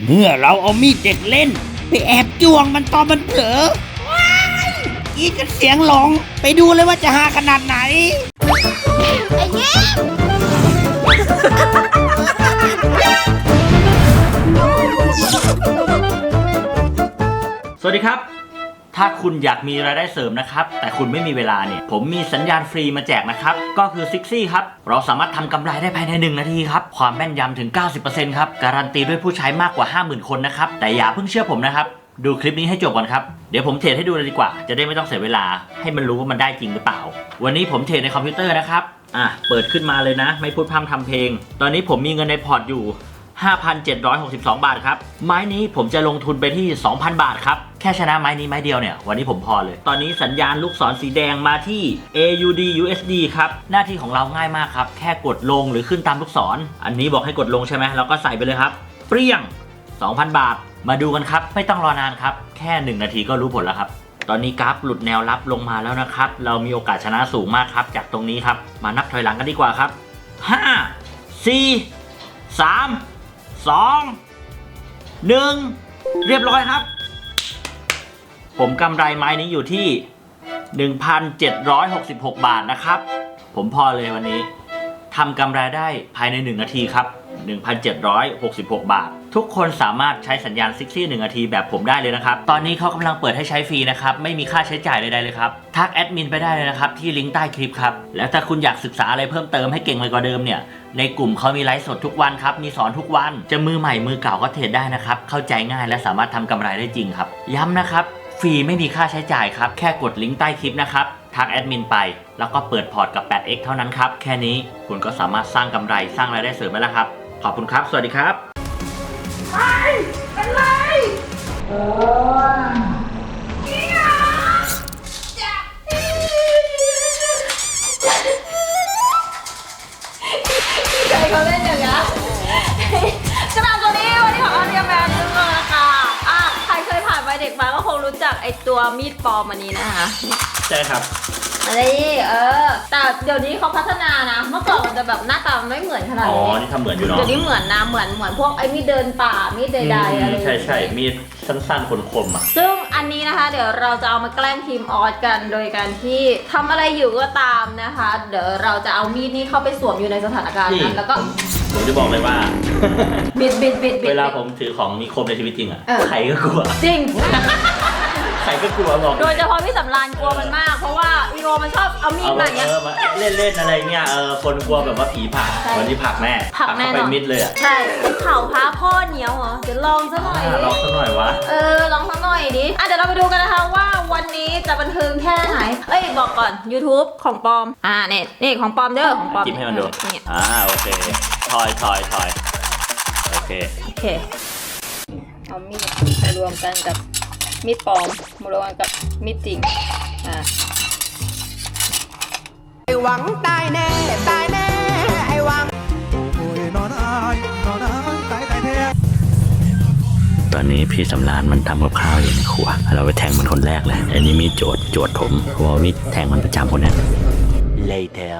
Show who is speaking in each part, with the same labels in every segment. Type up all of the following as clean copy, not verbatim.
Speaker 1: เมื่อเราเอามีดเด็กเล่นไปแอบจ้วงมันตอนมันเผลอว้ายอีกกันเสียงหลงไปดูเลยว่าจะหาขนาดไหน
Speaker 2: ไอ้เงี้ย
Speaker 3: สวัสดีครับถ้าคุณอยากมีรายได้เสริมนะครับแต่คุณไม่มีเวลาเนี่ยผมมีสัญญาณฟรีมาแจกนะครับก็คือซิกซี่ครับเราสามารถทำกำไรได้ภายใน1 นาทีครับความแม่นยำถึง 90% ครับการันตีด้วยผู้ใช้มากกว่า 50,000 คนนะครับแต่อย่าเพิ่งเชื่อผมนะครับดูคลิปนี้ให้จบก่อนครับเดี๋ยวผมเทรดให้ดูเลยดีกว่าจะได้ไม่ต้องเสียเวลาให้มันรู้ว่ามันได้จริงหรือเปล่าวันนี้ผมเทรดในคอมพิวเตอร์นะครับเปิดขึ้นมาเลยนะไม่พูดพร่ำทำเพลงตอนนี้ผมมีเงินในพอร์ตอยู่5,762 บาทครับไม้นี้ผมจะลงทุนไปที่ 2,000 บาทครับแค่ชนะไม้นี้ไม้เดียวเนี่ยวันนี้ผมพอเลยตอนนี้สัญญาณลูกศรสีแดงมาที่ AUD USD ครับหน้าที่ของเราง่ายมากครับแค่กดลงหรือขึ้นตามลูกศรอันนี้บอกให้กดลงใช่ไหมเราก็ใส่ไปเลยครับเปรี้ยง 2,000 บาทมาดูกันครับไม่ต้องรอนานครับแค่1 นาทีก็รู้ผลแล้วครับตอนนี้กราฟหลุดแนวรับลงมาแล้วนะครับเรามีโอกาสชนะสูงมากครับจากตรงนี้ครับมานับถอยหลังกันดีกว่าครับ5 4 3 2 1เรียบร้อยครับผมกำไรไม้นี้อยู่ที่ 1,766 บาทนะครับผมพอเลยวันนี้ทำกำไรได้ภายใน1 นาทีครับ 1,766 บาททุกคนสามารถใช้สัญญาณซิกซี่1 นาทีแบบผมได้เลยนะครับตอนนี้เขากำลังเปิดให้ใช้ฟรีนะครับไม่มีค่าใช้จ่ายใดๆเลยครับทักแอดมินไปได้เลยนะครับที่ลิงก์ใต้คลิปครับแล้วถ้าคุณอยากศึกษาอะไรเพิ่มเติมให้เก่งไปกว่าเดิมเนี่ยในกลุ่มเขามีไลฟ์สดทุกวันครับมีสอนทุกวันจะมือใหม่มือเก่าก็เทรดได้นะครับเข้าใจง่ายและสามารถทำกำไรได้จริงครับย้ำนะครับฟรีไม่มีค่าใช้จ่ายครับแค่กดลิงก์ใต้คลิปนะครับทักแอดมินไปแล้วก็เปิดพอร์ตกับ 8x เท่านั้นครับแค่นี้คุณก็สามารถสร้างกำไรสร้างรายได้เสริมได้แล้วครับขอบคุณครับสวัสดีครับ
Speaker 2: เป็นไรใครเขาเล่นอย่างนี้กระดาษตัวนี้วันนี้ของอาเรียแมนนึงเลยค่ะใครเคยผ่านวัยเด็กมาก็คงรู้จักไอตัวมีดปลอมอันนี้นะคะ
Speaker 3: ใช่ครับ
Speaker 2: อะไรแต่เดี๋ยวนี้เขาพัฒนานะเมื่อก่อนมันจะแบบหน้าตาไม่เหมือนขนาดนี้
Speaker 3: นี่ทำเหมือนอยู่เนาะ
Speaker 2: เดี๋ยวนี้เหมือนนะเหมือนพวกไอ้มีดเดินป่ามีดใดๆอะไร
Speaker 3: ใช่มีดสั้นๆคมๆอ่ะ
Speaker 2: ซึ่งอันนี้นะคะเดี๋ยวเราจะเอามาแกล้งทีมออสกันโดยการที่ทำอะไรอยู่ก็ตามนะคะเดี๋ยวเราจะเอามีดนี้เข้าไปสวมอยู่ในสถานการณ์นั้นแล้วก็
Speaker 3: ผมจะบอกเลยว่า
Speaker 2: บิด
Speaker 3: เวลาผมถือของมีคมในชีวิตจริงอ่ะใครก็กลัว
Speaker 2: จริง
Speaker 3: ใครก็กลัวบอก
Speaker 2: โดยเฉพาะพี่สำรานกลัวมันมากเพราะว่าอีโรมันชอบเอามีดมาอย่างเงี้ย
Speaker 3: เล่นอะไรเงี้ยคนกลัวแบบว่าผีผลักวันนี้ผลักแม่ไปมิดเลยอ่ะ
Speaker 2: ใช่เข่าพาพ่อเหนียวเหรอเดี๋ยวลองซะหน่อย
Speaker 3: ลองซะหน่อยวะ
Speaker 2: ลองซะหน่อยดิเดี๋ยวเราไปดูกันนะคะว่าวันนี้จะบันเทิงแค่ไหนบอกก่อน YouTube ของปอมนี่ของปอมเด้อของปอม
Speaker 3: จิ้มให้มันดูโอเคถอยโอเค
Speaker 2: เอามีดมารวมกันกับมีดปลอมมารวมกันกับมีดจริง
Speaker 1: ไอ้หวังตายแน่ไอ้หวัง
Speaker 3: ตอนนี้พี่สำรานมันทำกับข้าวอยู่ในครัวเราไปแทงมันคนแรกเลยอันนี้มีโจทย์ผมเพราะว่ามีแทงมันประจำคนนี้เลยแถว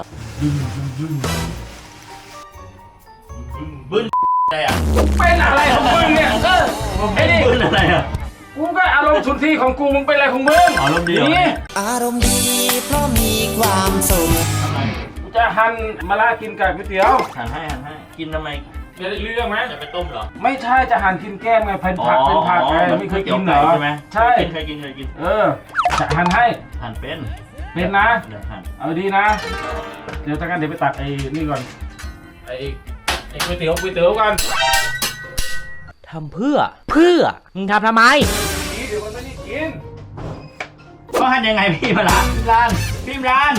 Speaker 3: บึ้นอะไรอ่ะ
Speaker 4: เป็นอะไรของมึงเนี่ย
Speaker 3: ไอ้นี่บึ้นอะไรอ่ะ
Speaker 4: กูก็อารมณ์สุนทรีของกูมึงเป็นอะไรของมึง
Speaker 3: อารมณ์ดี
Speaker 1: อารมณ์ดีเพราะมีความสุข
Speaker 4: กูจะหั่นมะระกินกับก๋วยเตี๋ยว
Speaker 3: หั่นให้กินทำไม
Speaker 4: เรื่องไหม
Speaker 3: จะไปต้มเหรอ
Speaker 4: ไม่ใช่จะหั่นกินแก้มไงเป็นผักไงไม่เคยกินเหรอ
Speaker 3: ใช่ไหม
Speaker 4: ใช่
Speaker 3: เคยกิน
Speaker 4: จะหั่นให้
Speaker 3: หั่นเป็น
Speaker 4: นะ
Speaker 3: หั่น
Speaker 4: เอาดีนะเดี๋ยวเดี๋ยวไปตัดไอ้นี่ก่อนไอ้ก๋วยเตี๋ยวกัน
Speaker 1: ทำเพื่อมึงทำทำไม
Speaker 4: เดี๋ยวมันไม่ได้กิน
Speaker 3: เขาหั่นยังไงพี่มาละพี่มราน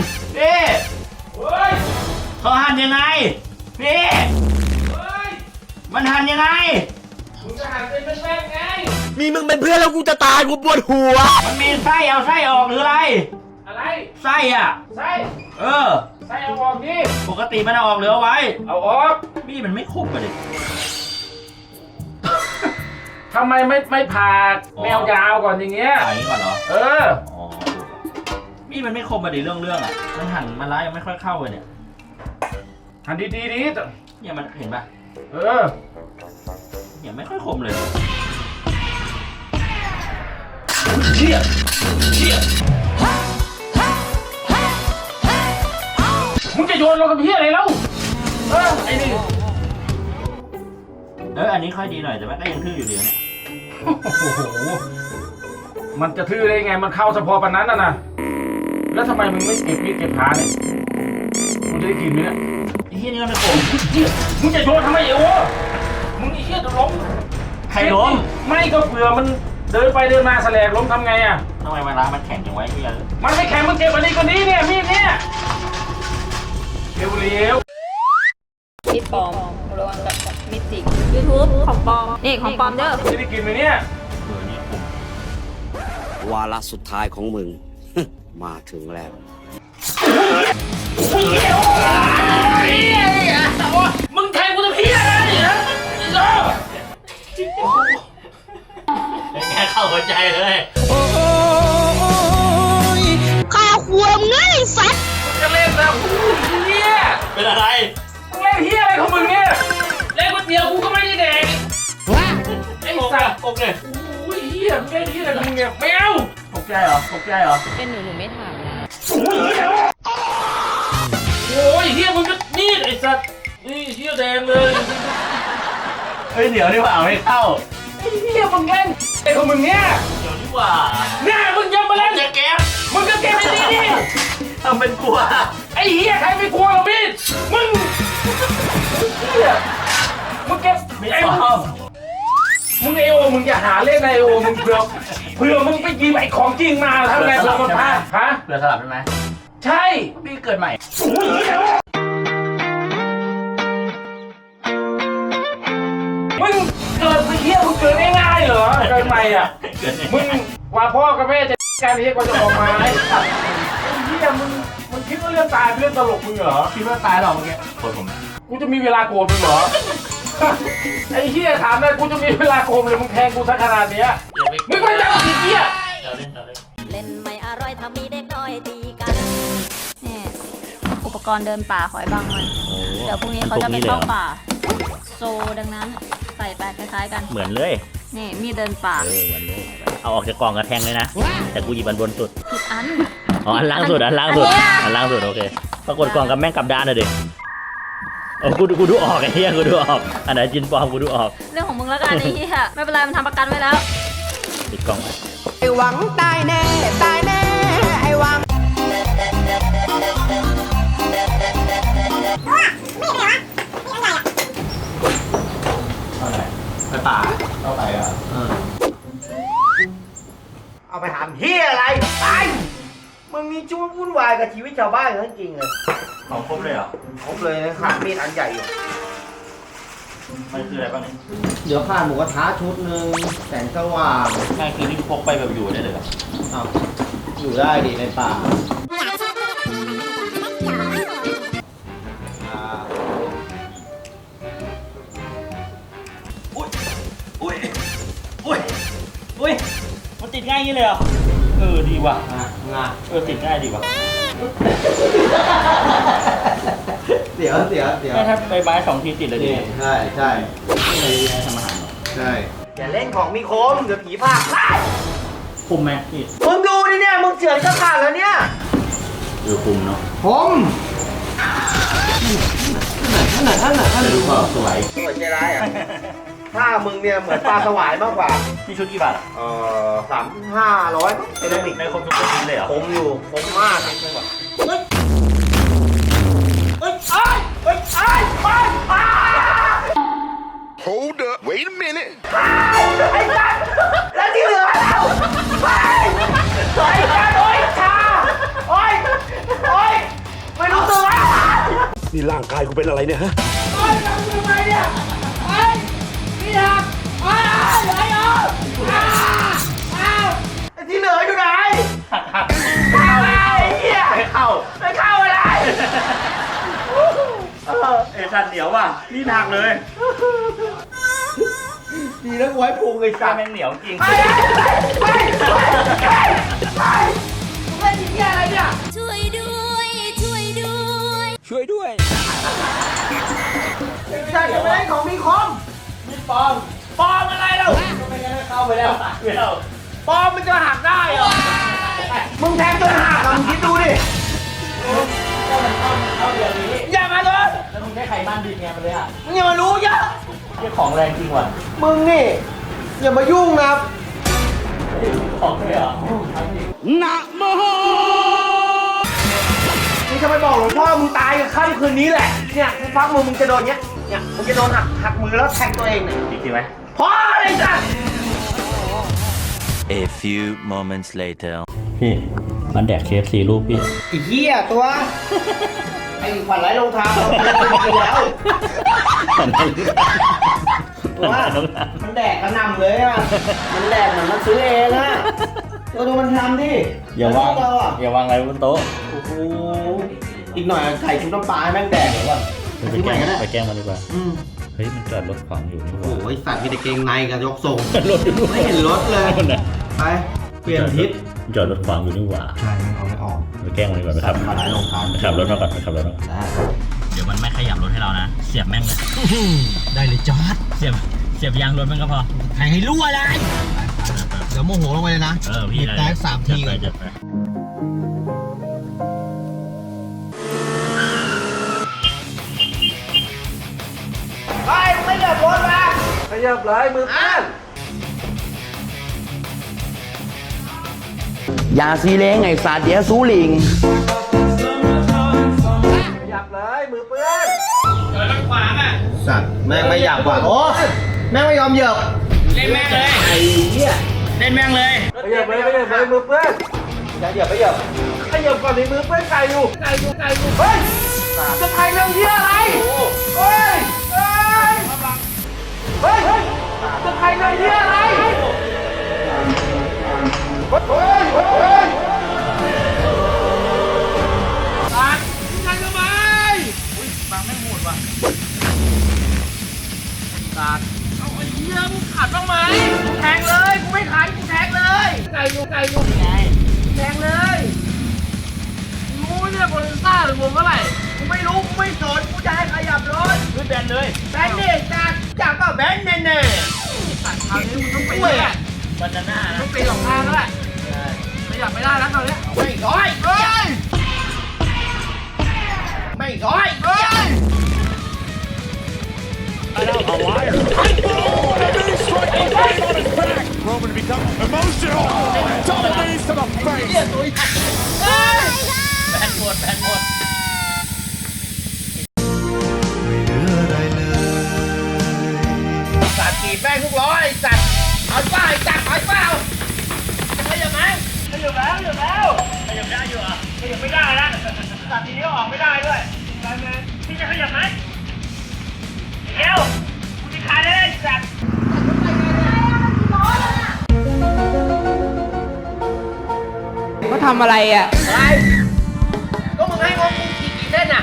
Speaker 3: เขาหั่นยังไงพี่มันหั่นยังไง
Speaker 4: มึงจะหั่นเป็นแป้งไง
Speaker 1: มีมึงเป็นเพื่อนแล้วกูจะตายกูปวดหัว
Speaker 3: มันมีไส้เอาไส้ออกหรืออะไรไส้อ่ะ
Speaker 4: ไส้ไส้เอาออกดิ
Speaker 3: ปกติมันเอาออกหรือเอาไว้
Speaker 4: เอาออก
Speaker 3: พี่มันไม่คมกันเลย
Speaker 4: ทำไมไม่ผ่าแนวยาวก่อนอย่างเงี้ย
Speaker 3: ผ่าอย่างนี้ก่อนเหรอพี่มันไม่คมมาดิเรื่องอ่ะมันหั่นมาล้ายังไม่ค่อยเข้าเลยเนี่ย
Speaker 4: หั่นดี
Speaker 3: เนี่ยมันเห็นป่ะ
Speaker 4: เ
Speaker 3: ยังไม่ค่อยคมเลย
Speaker 4: เชี่ยมึงจะโยนเรากับพี่อะไรแล้วไอ้นี่
Speaker 3: อันนี้ค่อยดีหน่อยแต่ว่าก็ยังทื่ออยู่เดียวเนี่ย
Speaker 4: โอ้โหมันจะทื่อได้ไงมันเข้าเฉพาะปานนั้นนะแล้วทำไมมึงไม่เก็บมีดเก็บขาเนี่ยมึงจะได้กินไหมเนี่ย
Speaker 3: ไอ้เหี้ยนี่ก็ไม่คม
Speaker 4: มึงจะโยนทำไมเอวะมึงไอ้เหี้ยจะล้ม
Speaker 3: ใครล้ม
Speaker 4: ไม่ก็เผื่อมันเดินไปเดินมาแสลกล้มทำไงอ่ะ
Speaker 3: ทำไมเวลามันแข็งจังไว้เหี้ย
Speaker 4: มันไม่แข็งมึงเก็บอันนี้คนนี้เนี่ยมีดเนี่ยเร็ว
Speaker 2: มีดปลอมระวังกับมีดจริง YouTube ของปลอมนี่ของปลอมเด้อ
Speaker 4: ๆจะได้กินไหมเนี่ย
Speaker 3: เนี่ยคม
Speaker 5: วาระสุดท้ายของมึง มาถึงแล้ว
Speaker 4: มึงแทงกูจะพี่อะไรเนี่ย
Speaker 3: เป็นไงเข้าหัวใจเลย
Speaker 6: ข้าความง่ายสัตว์
Speaker 4: จะเล่นนะเฮีย
Speaker 3: เป็นอะไร
Speaker 4: มึงเล่นเฮียอะไรของมึงเนี่ยเล่นก๋วยเตี๋ยวกูก็ไม่ได้แดกไอ้สัตว์
Speaker 3: โอเค
Speaker 4: โอ้ยเฮียมึงเล่นเฮียอะไรของมึงเนี่ยไม่เอา
Speaker 3: ตกใจเหรอตกใจเหรอ
Speaker 2: เป็นหนูไม่ถามนะ
Speaker 4: โอ้ยเฮียมึงก็นี่ไอ้สัตว์นี่เฮียแดงเลย
Speaker 3: เฮ้ยเดี๋ยวนี่ว่าเอาไม่เข้า
Speaker 4: ไอ้เฮียมึงเล่นไอ้ของมึงเนี่ย
Speaker 3: เดี๋ยวนี่ว่า
Speaker 4: เนี่ยมึงยังมาเล่น
Speaker 3: จะแก๊ป
Speaker 4: มึงก็เก็บไอ้นี่ดิ
Speaker 3: ทำเป็นกลัว
Speaker 4: ไอ้เฮียใครไม่กลัวหรอพี่มึงเฮียมึงเก็บ
Speaker 3: ไม่
Speaker 4: ไอ้
Speaker 3: ชอบ
Speaker 4: มึงไอโอมึงอย่าหาเล่นไอโอมึงเผื่อมึงไปยิงไอ้ของจริงมาทำไงเผื่อมันพลาดฮะ
Speaker 3: เผื่อสลับได้ไหม
Speaker 4: ใช่
Speaker 3: พี่เกิดใหม่
Speaker 4: มึงเกิดไปเที่ยวมึงเกิดง่ายๆเหรอเกิดใหม่อ่ะ
Speaker 3: เกิด
Speaker 4: มึงกว่าพ่อกับแม่จะการเรียกว่าจะออกมาไอ้เหี้ยมึงคิดว่าเรื่องตายเป็นเรื่องตลกมึงเหรอ
Speaker 3: คิดว่าตายหรอเมื่อกี้โทษผมนะ
Speaker 4: กูจะมีเวลาโกรธมึงเหรอ ไอ้เหี้ยถามได้กูจะมีเวลาโกรธเลยมึงแทงกูซะขนาดเนี้ยมึงไม่ได้ไอ้เหี้ย
Speaker 3: เดี๋ยวเล่นเดี๋ยวเล่น
Speaker 6: เล่นไม่อร่อยถ้ามีเด็กน้อยตีกัน
Speaker 2: นี่อุปกรณ์เดินป่าขอยบางมันเดี๋ยวพรุ่งนี้เขาจะไปเข้าป่า โซดังนั้นใส่ไปคล้ายๆกัน
Speaker 3: เหมือนเลย
Speaker 2: นี่มีดเดินป่า
Speaker 3: เหมือนเลยเอาออกจากกล่องกระแทงเลยนะ แต่กูหยิบอันบนสุด
Speaker 2: ผิดอัน
Speaker 3: อ๋ออันล่างสุดอันล่างสุด
Speaker 2: อันเนี้ย
Speaker 3: อันล่างสุดโอเคปรากฏกล่องกับแม่งกลับด้านเลยดิโอ้กูดูออกไอ้เหี้ยกูดูออกอันไหนจินปลอมกูดูออก
Speaker 2: เรื่องของมึงแล้วกันไอ้เหี้ยไม่เป็นไรมันทำประกันไว้แล้ว
Speaker 3: ปิดกล่องไว้
Speaker 6: ไอ้หวังตายแน่ ตายแน่ ไอ้หวัง
Speaker 3: ไปป่าเข้าไปอ่ะ
Speaker 7: เอาไปทำเฮียอะไรไปมึงมีช่วงวุ่นวายกับชีวิตชาวบ้านเขาจริงๆเลย
Speaker 3: เอาครบเลยเหรอ
Speaker 7: ครบเลยนะครับมีดอันใหญ่อยู่
Speaker 3: มันคืออะไรบ้างเนี่ย
Speaker 7: เดี๋ยวข้าหมูกระทะชุดหนึ่งแสงสว่าง
Speaker 3: ง่ายคือที่พกไปแบบอยู่ได้เลยเหรอ
Speaker 7: อ้าวอยู่ได้ดิในป่าอ่า
Speaker 3: อุ้ยมันติดง่ายอย่างนี้เลยเหรอดีว่ะ
Speaker 7: งา
Speaker 3: ติดง่ายดีว่ะ
Speaker 7: เดี๋ยว
Speaker 3: ถ้าใบไม้2 ทีติดเลยดิ
Speaker 7: ใช่ใช่
Speaker 3: ไม่ได้ทำอาหารหรอ
Speaker 7: ใช่อย่าเล่นของมีคมเดี๋ยวผีพากไล่
Speaker 3: คุมไหมพี่
Speaker 7: มึงดูดิเนี่ยมึงเฉือนก็ขาดแล้วเนี่ย
Speaker 3: คุมเนาะ
Speaker 7: ผมท่าน
Speaker 3: จะดูเปล่าสวย
Speaker 7: สวยใจร้ายอ่ะถ้ามึงเนี่ยเหมือนปลาสวายมากกว่า
Speaker 3: พี่ชุดกี่บาทอ่ะ
Speaker 7: 3,500มั้งเซรามิก
Speaker 3: ในคมทุกชิ้นเลยเหรอ
Speaker 7: ผมอยู่ผมมากเลยว่ะเฮ้ยไอ้
Speaker 8: Hold up. Wait a minute.
Speaker 7: ไอ้สัตว์แล้วที่เหลือแล้วไปไอ้สัตว์โอ้ยชาโอ้ยไม่รู้ตัว
Speaker 8: นี่ร่างกายกูเป็นอะไรเนี่ยฮะ
Speaker 7: โอ้ยทำยังไงเนี่ยไอ้พี่หักไอ้ที่เหลืออยู่ไหนเข้าไอ้เหี้ย
Speaker 3: ไม่เข้า
Speaker 7: ไม่เข้าอะไร
Speaker 3: สันเหนียวว่ะนี่หนักเลย
Speaker 7: ดีแล้วไว้พุงไอ้สั
Speaker 3: กา
Speaker 7: ตว์
Speaker 3: แม่งเหนียวจริง
Speaker 7: ไปมึงเล่นที่อะไรเนี่ย
Speaker 6: ช่วยด้วย ช่วยด้วย
Speaker 7: ไม่ใช่จะไม่เล่นของมีคม
Speaker 3: มีปอม
Speaker 7: ปอมอะไรเรา
Speaker 3: เข้าไปแล้วไปแล้ว
Speaker 7: ปอมมันจะหักได้เหรอมึงแทงจนหักอะมึงคิดดูดิ
Speaker 3: เข้าเดี๋ยวนี้
Speaker 7: อย่ามาเลย
Speaker 3: แล้วมึงใช้ไขมันดิบไงมันเลยอ่ะ
Speaker 7: มึงอย่ามารู้เยอะ
Speaker 3: เรื่องของแรงจริงว่ะ
Speaker 7: มึงนี่อย่ามายุ่งนะ
Speaker 3: ของเลยเหรอ
Speaker 5: นะโม
Speaker 7: มึงจะไปบอกหลวงพ่อมึงตายกับค่ำคืนนี้แหละเนี่ยกูฟังมึงจะโดนเนี้ยเนี่ยมึงจะโดนหักมือแล้วแทงตัวเองเนี่ย
Speaker 3: จริงไหม
Speaker 7: พอเลยจ้ะ
Speaker 9: A few moments later.
Speaker 3: พี่มันแดก KFC รูปพี่
Speaker 7: ไอ้เหี้ยตัวไอ้ขวัญไร้รองเท้าเราไปแล้วตัวมันแดกกระหน่ำเลยอ่ะมันแดกเหมือนมันซื้อเองอ่ะตัวดูมันทำดิ
Speaker 3: อย่าวาง
Speaker 7: เราอ่ะ
Speaker 3: อย่าวางอะไรบนโต๊ะ
Speaker 7: โอ้โหอีกหน่อยไข่ชุบน้ำปลาให้แม่งแดกเลยว่ะ
Speaker 3: ไปแกล้งมันดีกว่า
Speaker 7: อืม
Speaker 3: เฮ้ยมันจอดรถขวางอยู่นี่หว่า
Speaker 7: โอ้ยสัตว์มีแต่เกงในกับยกทรง
Speaker 3: รถอยู่ด้วย
Speaker 7: ไม่เห็นรถเลย ไป เปลี่ยนทิศ
Speaker 3: จอดรถขวางอยู่นี่หว่า
Speaker 7: ใช่มันเอาไม่ออก
Speaker 3: ไปแกล้งมันดีกว่าไปขับ
Speaker 7: มาหลายโรงทาน
Speaker 3: ไปขับรถมาก่อนไปขับรถมาก่อน
Speaker 7: ได้
Speaker 3: เดี๋ยวมันไม่ขยับรถให้เรานะ เสียบแม่งเลย
Speaker 7: ได้เลยจอด
Speaker 3: เสียบยางรถแม่งก็พอ
Speaker 7: ใครให้รั่วเลยเดี๋ยวโมโหลงไปเลยนะ
Speaker 3: เออพี่
Speaker 7: บีบแต่3 ทีก่อน
Speaker 3: จัดไป
Speaker 7: ไปไม่เหยียบรถมาไม่เหยียบเลยมืออ้านอย่าซีเล้งไอ้สัตว์เดี๋ยวซูลิงไม่หยับเลยมือเปื้อนเดินขวางอ่ะสัตว์แม่งไม่หยับว่ะโอ้แม่งไม่ยอมเหยียบ
Speaker 3: เล่นแม่งเลย
Speaker 7: ไอ้เหี้ย
Speaker 3: เล่นแม่งเลย
Speaker 7: ไม่เหยียบเลยไม่เหยียบเลยมือเปื้อนอย่าเหยียบไม่เหยียบให้เหยียบก่อนในมือเปื้อนไก่อยู่ไก่อยู่เฮ้ยจะไทยเรื่องเหี้ยอะไรเฮ้ยจะไทยเรื่องเหี้ยอะไรเฮ้ยตัดยังไงทำไมบางไม่โหดว่ะตัดเอาไอ้เหี้ยมึงขัดบ้างไหมแทงเลยกูไม่ขัดกูแทงเลยไก่อยู่ไงแทงเลยรู้เนี่ยโบลิซ่าหรือวงเท่าไหร่กูไม่รู้กูไม่สนกูจะให้ขยับรถ
Speaker 3: ขึ้นแบนเลย
Speaker 7: แบนเด็กจากก็แบนแน่ๆตัดคราวนี้มึงต้องไปเลย
Speaker 3: บานาน่านะ
Speaker 7: ต้องตีสองทางแล้วแหละขยับไม่ได้แล้วตอนนี้ไม่ร้อยไม่ร้อย
Speaker 8: Roman becomes emotional. Dominates to the face.
Speaker 3: แบนหมด
Speaker 7: สัตว์กี่แป้งทุกร้อยสัตว์เอาเปล่าจัดเอาเปล่าขยับไหมขยับแล้ว
Speaker 3: ขยับได้อยู่อ่ะ
Speaker 7: ขยับไม่ได้นะสัตว์ทีนี้ออกไม่ได้ด้วยพี่จะขยับไหมเร็วกูจะขายได้สัตว์เขาทำอะไรอ่ะอะไรก็มึงให้งงกูกี่เส้นอ่ะ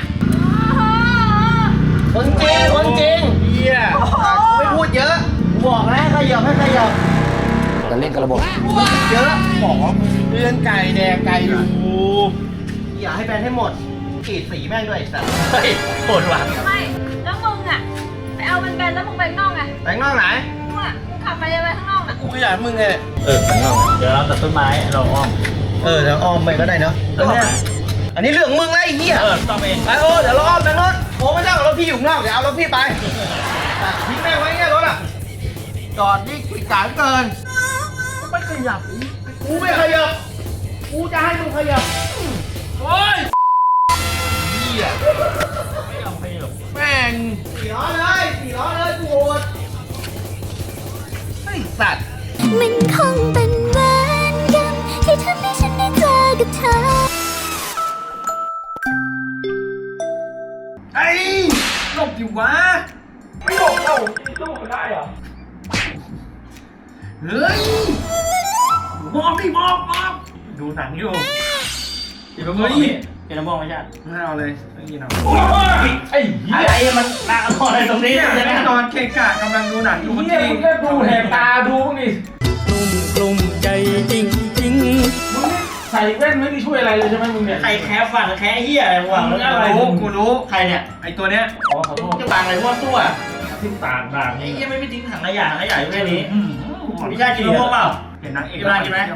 Speaker 7: คนจริงเฮียไม่พูดเยอะบอกแล้วให้ขยับจะเล่นกับระบบเยอะบอกเลื่อนไก่แดงไก่อยู่อย่าให้แบนให้หมดกรีดสีแม่งด้วยสัตว์
Speaker 3: เฮ้ยโหดว่ะ
Speaker 2: ไม่แล้วมึงอ่ะไปเอาเป็นแบนแล้วมึงไปข้างนอกไง
Speaker 7: แบงนอกไหน
Speaker 2: มึงอ่ะมึงขับไปเลยไปข้างนอกอ่ะ
Speaker 7: กูขยันมึงไง
Speaker 3: ข้างนอกเดี๋ยวเราตัดต้นไม้เราอ้อม
Speaker 7: เดี๋ยวอ้อมไปก็ได้เนาะ
Speaker 3: อ้อมไหม
Speaker 7: อันนี้เรื่องมึงไล่เหี้ย
Speaker 3: ต้องเอง
Speaker 7: ไปเดี๋ยวเราอ้อมไปรถโอ้ไม่ต้องรถพี่อยู่ข้างนอกเดี๋ยวเอารถพี่ไปทิ้งแม่งไว้เงี้ยรถอ่ะจอดนี่ขีดกลางเกินไม่ขยับกูไม่ขยับกูจะให้มึงขยับโอ้ยเหี้ย
Speaker 3: ไม่ยอมขยับ
Speaker 7: แม่งสี่ล้อเลยกูโหดไอ้สัตว์
Speaker 10: มันคงเป็นเหมือนกันที่ทำให้ฉันได้เจอกับเธอ
Speaker 7: ไอ้หลบอยู่วะไม่หลบเอ้าสู้กันได้เหรอเฮ้ยมองดูหนังอยู่
Speaker 3: เดี๋ยวมึงเดี๋ยวน้ำมองไม่ใช่
Speaker 7: ไม่เอาเลยไม่กินเอา
Speaker 3: ไอ้อะไรมันนานนอนอะไรตรงนี้
Speaker 7: เนี่ย
Speaker 3: ใช่ไหม
Speaker 7: นอนเกะกะกำลังดูหนังอยู่เมื่อกี้
Speaker 4: มึงก็ดูแหกตาดูมึงดิ
Speaker 9: กลุ่มใจจริง
Speaker 4: มึงนี่ใส่แว่นไม่ได้ช่วยอะไรเลยใช่ไหมมึงเนี่ย
Speaker 3: ใครแค่ฟังแค่เหี้ยอะไรวะ
Speaker 4: มึงอะไร
Speaker 7: กูรู้
Speaker 3: ใครเนี่ย
Speaker 7: ไอ้ตัวเนี้ย
Speaker 4: อ๋อขอโทษ
Speaker 3: จะฟังอะไรมั่วซั่ว
Speaker 7: เ
Speaker 4: ทิ้งตากด่าง
Speaker 3: ไอ้
Speaker 4: นี่
Speaker 3: เหี้ยไม่ทิ้งถังขยะอยู่แค่นี้พี่ชายกินมะม่วงเปล่า
Speaker 7: เห็นนางเอก
Speaker 3: กินไหม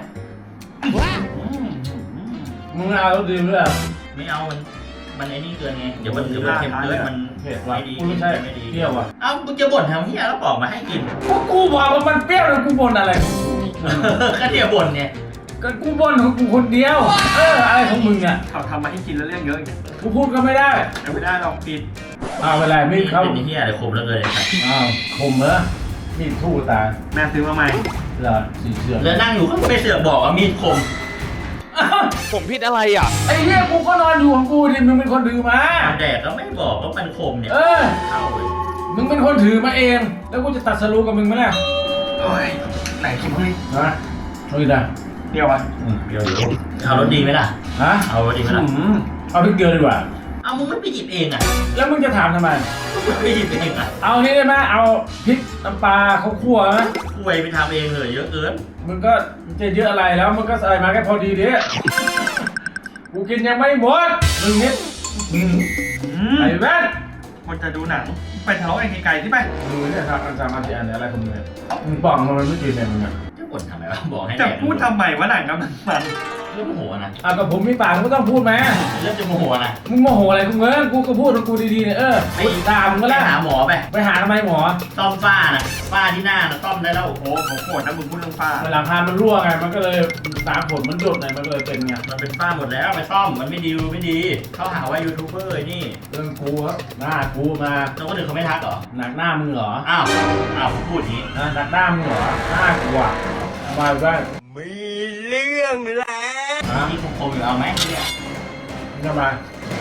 Speaker 4: มึงเอารถดีด้วย
Speaker 3: ไม่เอามันไอ้นี่เกินไงเดี๋ยวมันเค็มเกินมัน
Speaker 4: เผ็ดว่ะ
Speaker 3: ไม่ดี
Speaker 4: กูไม่ใช่
Speaker 3: ไม่ดี
Speaker 4: เปรี้ยวว่ะ
Speaker 3: เอ้ามึงจะบ่นทำเหี้ยแล้วบอกมาให้กิน
Speaker 4: ก็กูบอกว่ามันเปรี้ยวแล้วกูบ่นอะไรของกู
Speaker 3: ก็เดี๋ยวบ่นไง
Speaker 4: ก็กูบ่นของกูคนเดียวอะไรของมึงเนี่ย
Speaker 7: เขาทำมาให้กินแล้วเรื่องเยอะ
Speaker 4: กูพูดก็ไม่ได้
Speaker 7: ไม่ได้หรอกปิด
Speaker 4: เอาเวลามีดเข้า
Speaker 3: เป็นเหี้ยอะไรคมแล้วเลย
Speaker 4: อ้าวคมเหรอมีดทู่ตา
Speaker 7: แม่ซื้อมาใหม่
Speaker 4: เหรอสีเสือ
Speaker 3: แล้วนั่งอยู่ก็ไปเสือกบอกว่ามีดคม
Speaker 8: ผมผิดอะไรอ่ะ
Speaker 4: ไอ้เหี้ยกูก็นอนอยู่ของกูดิมึงเป็นคนถือมา
Speaker 3: แดกก็ไม่บอกว่ามันคมเนี่ย เข้าเลย
Speaker 4: มึงเป็นคนถือมาเอง แล้วกูจะตัดสรุปกับมึงไหมล่ะ
Speaker 7: โอ้ยไหนคิดเฮ้ย
Speaker 4: ฮะเอาอีกนะ
Speaker 7: เปรี้ยวอ่ะ
Speaker 4: เปรี้ยวอยู่
Speaker 3: เอารถดีไหมล่ะ
Speaker 4: ฮะ
Speaker 3: เอารถดีไหมล่ะ
Speaker 4: เอาพริกเกลือดีกว่า
Speaker 3: เอามึงไม่ไปหยิบเองอ่ะ
Speaker 4: แล้วมึงจะถามทำไม
Speaker 3: มึงไม่หยิบเองอ่ะ
Speaker 4: เอานี้ได้ไหมเอาพริกน้ำปลาข้าวคั่วไหม
Speaker 3: คุยไปทำเองเลยเยอะเกิน
Speaker 4: มึงก็จะเยอะอะไรแล้วมึงก็ใส่มาแค่พอดีดิกูกินยังไม่หมดมึงนิดไอ้แว่น
Speaker 7: คนจะดูหนังไปทะเลาะกันไกลๆที่ไป
Speaker 4: มึงเนี่ยครับอันจามาที่อันเนี่ยอะไรของมึงเนี่ยมึงบอกมันไม่กินเนี่ยมึงอ่ะ
Speaker 3: จะบ่นทำไมวะบอกให้
Speaker 7: จะ
Speaker 3: แดก
Speaker 7: พูดทำไมวะหนังกำลังมัน
Speaker 3: เรื่องโมโหนะ
Speaker 4: อ่ะกับผมมีปากมึงก็ต้องพูดไหม
Speaker 3: เรื่องจะโมโหนะ
Speaker 4: มึงโมโหอะไรกูเงินกูก็พูดของกูดีๆเนี่ยกูด่ามึงก็
Speaker 3: ไป
Speaker 4: แล้ว
Speaker 3: หาหมอไป
Speaker 4: ไปหาทำไมหมอ
Speaker 3: ซ่อมฝ้านะฝ้าที่หน้านะซ่อมได้แล้ว
Speaker 7: โอ้ผมโกรธนะมึงพูดเรื่องฟ้า
Speaker 4: หลังคามันรั่วไงมันก็เลยสารผลมันหยดไงมันก็เลยเป็นไง
Speaker 3: มันเป็นฝ้าหมดแล้วไปซ่อมมันไม่ดีไม่ดีเขาหาว่ายูทูบเบอร์ไอ้นี่
Speaker 4: เรื่องกูครับหน้ากูมา
Speaker 3: แล้วคนอื่นเขาไม่ทักเหรอ
Speaker 4: หนักหน้ามึงเหรอ
Speaker 3: อ้าวผมพูดอย่างนี้
Speaker 4: หนักหน้ามึงเหรอหน้ากูอ่ะมาว่า
Speaker 8: มีเรื่องแล้ว
Speaker 3: ที่คมๆอยู่เอาไหมเนี่ย
Speaker 4: มึงจะมา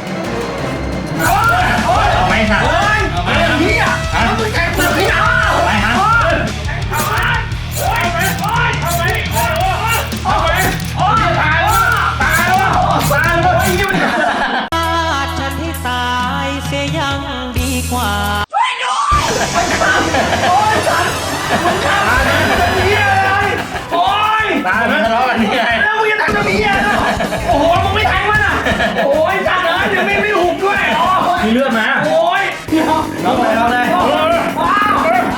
Speaker 3: เอาไหมค่ะเอาไหมพี่อ่ะมึงแกเปลือกพี่อ่ะเอาไหมฮะ
Speaker 9: ฉันให้ตายเสียยังดีกว่า
Speaker 3: ตายไหมทะเลาะกันนี่ไง
Speaker 7: แล้วมึงจะทำจะมีอะไรโอ้โหมึงไม่แทงมันอ่ะโอ้ยจัดเลยเดี๋ยวไม่หุบด้วย
Speaker 4: มีเลือดไหม
Speaker 7: โอ้ยเราเลยเราเลยว้าว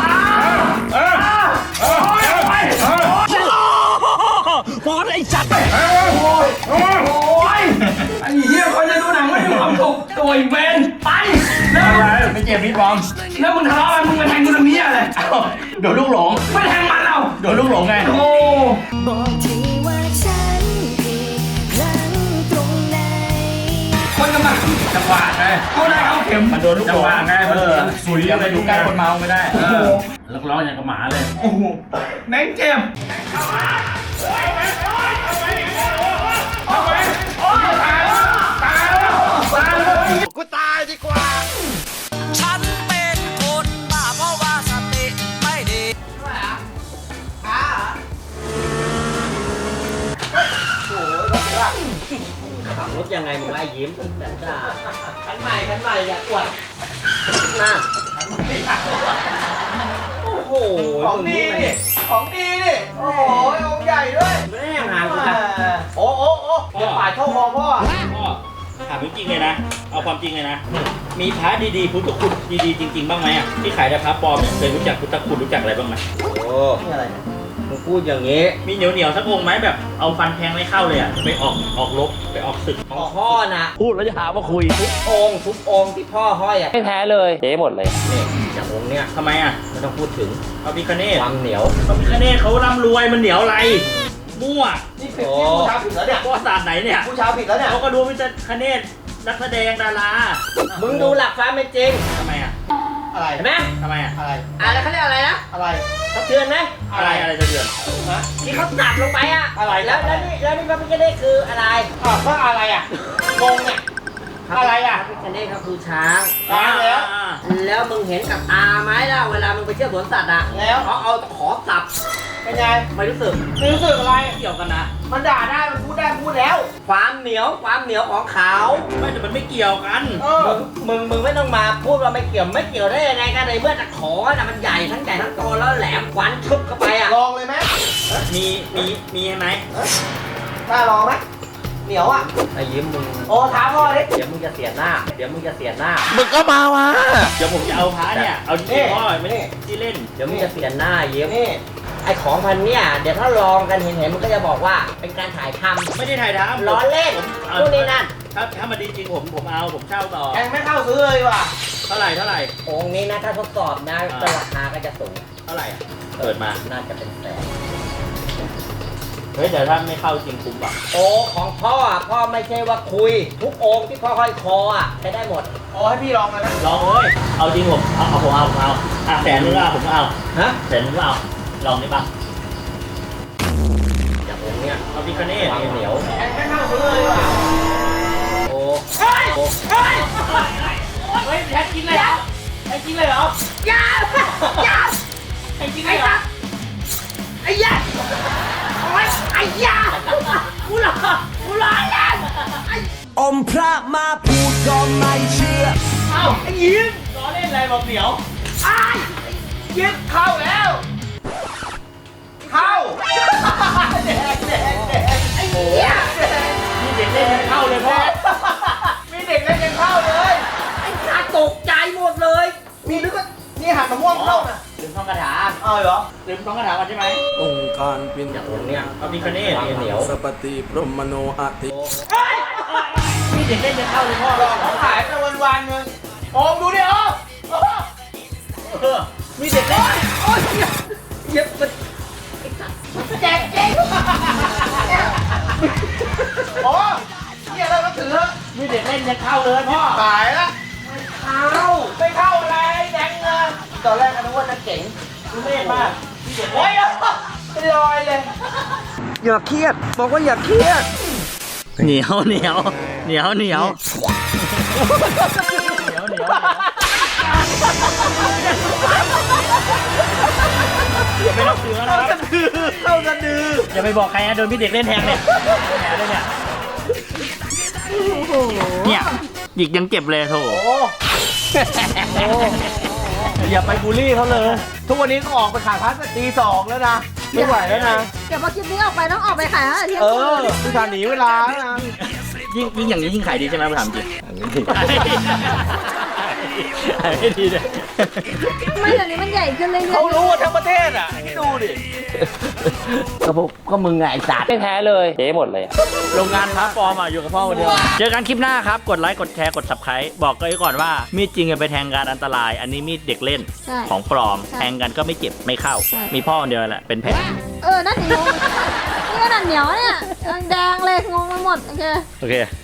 Speaker 8: ฟอสไอ้จัด
Speaker 7: โอ้ยไอ้เหี้ยคนจะดูหนังไม่มีความสุขตัวอีเวนไปแล้ว
Speaker 3: ไม่เจ็บพี่บอม
Speaker 7: แล้วมึงทะเลาะกันมึงมาแทงกูทำเหี้ยอะไร
Speaker 3: โดนลูกหลง
Speaker 7: ไม่แทงมันเรา
Speaker 3: โดนลูกหลงไง
Speaker 7: โอ้
Speaker 10: บอกทีว่าฉันผิดพลั้งตรงไหน
Speaker 7: คนกำลังจังหวะไงเขาได้เอาเข็ม
Speaker 3: มันโดนลูกหลง
Speaker 4: จังหวะไงมันสุย
Speaker 3: อย่าไปดูใกล้คนเมาไม่ได้
Speaker 4: แล้วร้องอย่างกับหมาเลย
Speaker 7: โอ้โหแม่งเจ็บ
Speaker 8: กูตายดีกว่า
Speaker 9: ฉันเป็นคนบ้าเพราะว่าสติไม่ดี
Speaker 1: ขับรถยังไงมึงไอ้ยิ้มแบบจ้าขันใหม่อย่าอวดนะโอ้โห
Speaker 7: ของดีดิของดีดิโอ้โหองค์ใหญ่ด้วย
Speaker 1: ไม่ได้ห่างกูนะ
Speaker 7: โอ้อย่าปาดเข้าคอพ่อ
Speaker 3: พ่อถามจริงๆเลยนะ เอาความจริงเลยนะ มีพระดีๆพุทธคุณดีๆจริงๆบ้างไหมอ่ะที่ขายแต่พระปลอมเนี่ยเคยรู้จักพุทธคุณรู้จักอะไรบ้างไหม
Speaker 1: โอ้นี่อะไรมึงพูดอย่างนี้
Speaker 3: มีเหนียวๆสักองค์ไหมแบบเอาฟันแทงไม่เข้าเลยอ่ะไปออกรบไปออกศึก
Speaker 1: ของพ่อนะ
Speaker 9: พูดแล้วจะหาว่าคุย
Speaker 1: ทุกองค์ที่พ่อห้อยอ่ะ
Speaker 9: ไม่แพ้เลยเจ๊หมดเลย
Speaker 1: นี่จากองค์เนี้ย
Speaker 3: ทำไมอ่ะ
Speaker 1: ไม่ต้องพูดถึง
Speaker 3: เอาพิคเนต
Speaker 1: ความเหนียว
Speaker 3: เอาพิคเนตเขาร่ำรวยมันเหนียวอะไรมั่ว
Speaker 7: นี่ผิดที่ผู้ชายผิดแล้วเนี่ย
Speaker 3: ประวัติศาสตร์ไหนเนี่ย
Speaker 7: ผู้ชายผิดแล้วเนี่ย
Speaker 3: เขาก็ดูพิคเนตนักแสดงดารา
Speaker 1: มึงดูหลักความเป็นจริง
Speaker 3: ทำไมอ่ะ
Speaker 7: อะไร
Speaker 1: เห็นไหม
Speaker 3: ทำไมอ่ะ
Speaker 7: อะไร
Speaker 1: อะไรเขาเรียกอะไรนะ
Speaker 7: อะไร
Speaker 1: สะเทือนไหม
Speaker 3: อะไรจะเดือด
Speaker 1: ที่เขาตัดลงไปอ่ะ
Speaker 7: อะไร
Speaker 1: แล้วนี่พระพิฆเนศคืออะไร
Speaker 7: ก็อะไรอ่ะงงเนี่ย อะไรอ่ะ
Speaker 1: พระพิฆเนศก็คือช้าง
Speaker 7: ช้างแล้ว
Speaker 1: แล้วมึงเห็นกับตาไหมล่ะเวลามึงไปเที่ยวสวนสัตว์อ่ะ
Speaker 7: แล้ว
Speaker 1: เขาเอาขอสับ
Speaker 7: เป็นไง
Speaker 1: ไม่รู้สึก
Speaker 7: ไม่รู้สึกอะไร
Speaker 3: เกี่ยวกันนะ
Speaker 7: มันด่าได้ มันพูดได้พูดแล้ว
Speaker 1: ความเหนียวของเขา
Speaker 3: ไม่แต่มันไม่เกี่ยวกัน
Speaker 1: มึงไม่ต้องมาพูดว่าไม่เกี่ยวได้ยังไงกันในเมื่อตะขอน่ะมันใหญ่ทั้งโตแล้วแหลมควันชุบเข้าไปอ่ะ
Speaker 7: ลองเลยไหม
Speaker 3: มีไหม
Speaker 7: กล้าลองไหมเหนียวอ่ะ
Speaker 3: ไอ้ยิ้มมึง
Speaker 7: โอ้ท้าพ่อดิ
Speaker 3: เดี๋ยวมึงจะเสียหน้า เดี๋ยวมึงจะเสียหน้า
Speaker 7: มึงก็มาวะ
Speaker 3: เดี๋ยวผมจะเอาพระเนี่ย เอาจริงๆพ่อไม่
Speaker 7: นี่
Speaker 3: ที่เล่น เดี๋ยวมึงจะเสียหน้ายิ้ม
Speaker 7: นี่
Speaker 11: ไอของพันเนี่ยเดี๋ยวถ้าลองกันเห็นมันก็จะบอกว่าเป็นการถ่ายทำ
Speaker 3: ไม่ได้ถ่ายทำ
Speaker 11: ล้อเล่นนู่นนี่นั่น
Speaker 3: ถ้ามันดีจริงผมเอาผมเช่าต่อ
Speaker 7: แกไม่เข้าซื้อเลยว่ะ
Speaker 3: เท่าไหร่
Speaker 11: องค์นี้นะถ้าทดสอบนะก็ราคาก็จะสูง
Speaker 3: เท่าไหร่อ่ะเปิดมา
Speaker 11: น่าจะเป็นแสน
Speaker 3: เฮ้ยเดี๋ยวถ้าไม่เข้าจริงคุ้มป่ะ
Speaker 11: โอ้ของพ่อพ่อไม่ใช่ว่าคุย ทุกองค์ที่พ่อห้อยคอใช้ได้หมด
Speaker 7: โอ้ให้พี่ลองเลยนะ
Speaker 3: ลองเลยเอาจริงผมเอาอ่ะแสนนึงก็ผมเอา
Speaker 11: ฮะ
Speaker 3: แสนนึงก็เอาลองได้ป่ะ
Speaker 11: อย่างองค์เนี้ย
Speaker 3: เอาพิคเน่
Speaker 11: ความเหนียว
Speaker 7: แกไม่เข้าซื้อเลยว่ะ
Speaker 11: โอ้
Speaker 7: เฮ้ย
Speaker 11: โอ้
Speaker 7: เฮ้ย
Speaker 3: เฮ้ยแท็กกินเลยเหรอแท็กกินเลยเหรอ
Speaker 7: อย่าอย่า
Speaker 3: แท็กกินเลยเหรอ
Speaker 7: ไอ้ยาโอ้ยไอ้ยากูหลอกเล่น
Speaker 9: อมพระมาพูดก็ไม่เชื่อ
Speaker 3: เอ้าไอ้ยิ้มล้อเล่นอะไรบอกเหนียว
Speaker 7: ไอ้ยึดเข้าแล้วเข้าแดงไอ้เหี้ย
Speaker 3: นี่เด็กเล่นยังเข้าเลยพ่อ
Speaker 7: มีเด็กเล่นยังเข้าเลยไอ้ขาตกใจหมดเลย มีนึกว่านี่หันมะม่วงเข้าน่ะ
Speaker 3: ลืมท่องคาถา
Speaker 7: เหรอ
Speaker 3: ลืมท่องคาถาก่อนใช่ไหม
Speaker 8: องค์การเป็น
Speaker 11: อย่างองค์เนี้ย
Speaker 3: เอาพิคเน่
Speaker 11: ความเหนียว
Speaker 8: สัพติพรหมโนอาติ
Speaker 7: เฮ้ย
Speaker 3: นี่เด็กเล่นยังเข้าเลยพ่อ
Speaker 7: หลอกเขาขายไปวันๆนึงโอมดูดิโอม
Speaker 3: มีเด็กเล่น
Speaker 7: โอ้ยเย็บมันแจกเจ๊งโอ้เนี่ยเราก็ถือ
Speaker 3: มีเด็กเล่นยังเข้าเลยพ่อ
Speaker 7: ขายละไม่เข้าอะไรแดงเงินตอนแรกก็นึกว่าจะเก๋ง
Speaker 3: ดูเล่นมากมีเด็ก
Speaker 7: โอ้
Speaker 3: เล่
Speaker 7: ย
Speaker 3: น
Speaker 7: เป็นรอยเลย
Speaker 9: อย่าเครียด บอกว่าอย่าเครียด
Speaker 3: เหนียวไม่ต้องถือแล้วนะครับ
Speaker 7: เข้ากันดื้อ
Speaker 3: อย่าไปบอกใครนะโดนพี่เด็กเล่นแทงเนี่ยแผลเลยเนี่ยเนี่ยหยิกยังเจ็บเลยโถ
Speaker 7: อย่าไปบูลลี่เขาเลย ทุกวันนี้ก็ออกไปขายพัสตี 2แล้วนะ ไม่ไหวแล้วนะ
Speaker 2: เดี๋ยวพอคลิปนี้ออกไปต้องออกไปขายแล้วเที่ยง
Speaker 7: เอ
Speaker 2: คื
Speaker 7: อน คือการหนีเวลาแล้วนะ
Speaker 3: ยิ่งอย่างนี้ยิ่งขายดีใช่ไหมผมถามจริงขายไม่ดีเลย
Speaker 2: ทำไมเดี๋ยวนี้มันใหญ่ขึ้นเรื่อยๆ
Speaker 7: เขารู้ทั้งประเทศอ่ะให้ดูดิ
Speaker 11: ก็มึงไงไอ้สัตว์ไม่แพ้เลยเจ๊หมดเลย
Speaker 3: โรงงานพระปลอมอ่ะอยู่กับพ่อคนเดียวเจอกันคลิปหน้าครับกดไลค์กดแชร์กด subscribe บอกกันไว้ก่อนว่ามีดจริงอย่าไปแทงกันอันตราย อันนี้มีดเด็กเล่น
Speaker 2: ใช่
Speaker 3: ของปลอมแทงกันก็ไม่เจ็บไม่เข้า
Speaker 2: ใช่
Speaker 3: มีพ่อคนเดียวแหละเป็นแผล
Speaker 2: นั่นเหนียวนี่ก็นั่นเหนียวเนี่ยแดงๆเลยงงไปหมดโอเค
Speaker 3: โอเค